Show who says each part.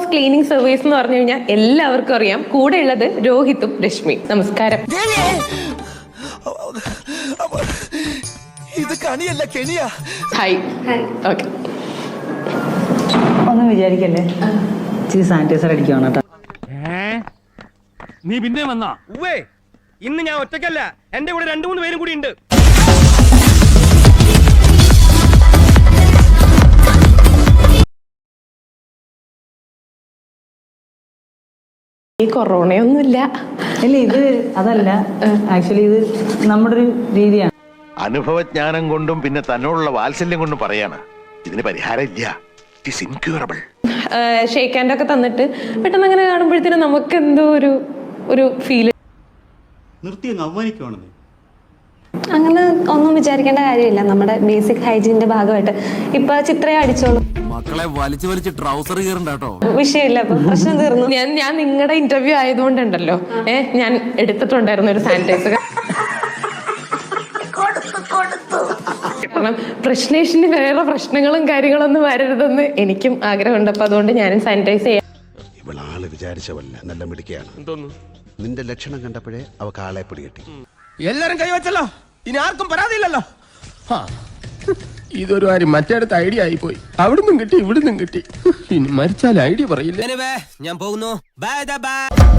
Speaker 1: Cleaning service എന്ന് പറഞ്ഞു കഴിഞ്ഞാൽ എല്ലാവർക്കും അറിയാം. കൂടെ ഉള്ളത് രോഹിത്തും രശ്മി. നമസ്കാരം.
Speaker 2: ഇത് കണിയല്ല കെണിയാ.
Speaker 1: ഹായ്. ഓക്കെ,
Speaker 3: ഒന്നും വിചാരിക്കല്ലേ, ഇച്ചിരി സാനിറ്റൈസർ അടിക്കുവാണ് കേട്ടോ.
Speaker 4: നീ പിന്നെ വന്നാ? ഇന്ന് ഞാൻ ഒറ്റയ്ക്കല്ല, എന്റെ കൂടെ 2-3 പേരും കൂടി ഉണ്ട്.
Speaker 1: ഈ കൊറോണയൊന്നുമില്ല.
Speaker 3: ഇല്ല, ഇത് അതല്ല, ആക്ച്വലി ഇത് നമ്മുടെ ഒരു രീതിയാണ്.
Speaker 2: അനുഭവജ്ഞാനം കൊണ്ടും പിന്നെ തന്നോടുള്ള വാത്സല്യം കൊണ്ടും പറയാണ് ഇതിന് പരിഹാരം ഇല്ല. It is incurable.
Speaker 1: Shake hand ഒക്കെ തന്നിട്ട് പെട്ടെന്ന് അങ്ങനെ കാണുമ്പോഴത്തേനും നമുക്ക് എന്തോ ഒരു ഫീല്.
Speaker 5: നിർത്തി അങ്ങ് അവമാനിക്കുവാണെന്ന്.
Speaker 6: അങ്ങനെ ഒന്നും വിചാരിക്കേണ്ട കാര്യമില്ല. നമ്മുടെ ബേസിക് ഹൈജീന്റെ ഭാഗമായിട്ട് ഇപ്പൊ ചിത്രയെ അടിച്ചോളൂ.
Speaker 7: മക്കളെ വലിച്ചു ട്രൗസർ കീറണ്ടോ?
Speaker 6: വിഷയമില്ല, അപ്പൊ പ്രശ്നം തീർന്നു.
Speaker 1: ഞാൻ നിങ്ങളുടെ ഇന്റർവ്യൂ ആയതുകൊണ്ടുണ്ടല്ലോ, ഞാൻ എടുത്തിട്ടുണ്ടായിരുന്നു ഒരു സാനിറ്റൈസർ. കാരണം പ്രശ്നേഷിന് വേറെ പ്രശ്നങ്ങളും കാര്യങ്ങളൊന്നും വരരുതെന്ന് എനിക്കും ആഗ്രഹമുണ്ട്. അപ്പൊ അതുകൊണ്ട് ഞാനും സാനിറ്റൈസ് ചെയ്യാം.
Speaker 8: ഇവളാള് വിചാരിച്ചവല്ല, നല്ല മിടുക്കിയാണ്. നിന്റെ ലക്ഷണം കണ്ടപ്പോഴേ അവക്ക് ആളെ പിടികിട്ടി.
Speaker 4: എല്ലാരും കൈവച്ചല്ലോ, ഇനി ആർക്കും പരാതിയില്ലല്ലോ. ഇതൊരു കാര്യം മറ്റേടത്ത് ഐഡിയ ആയിപ്പോയി. അവിടുന്നും കിട്ടി ഇവിടുന്നും കിട്ടി. ഇനി മരിച്ചാൽ ഐഡിയ പറയില്ല.
Speaker 7: ഞാൻ പോകുന്നു. ബൈ.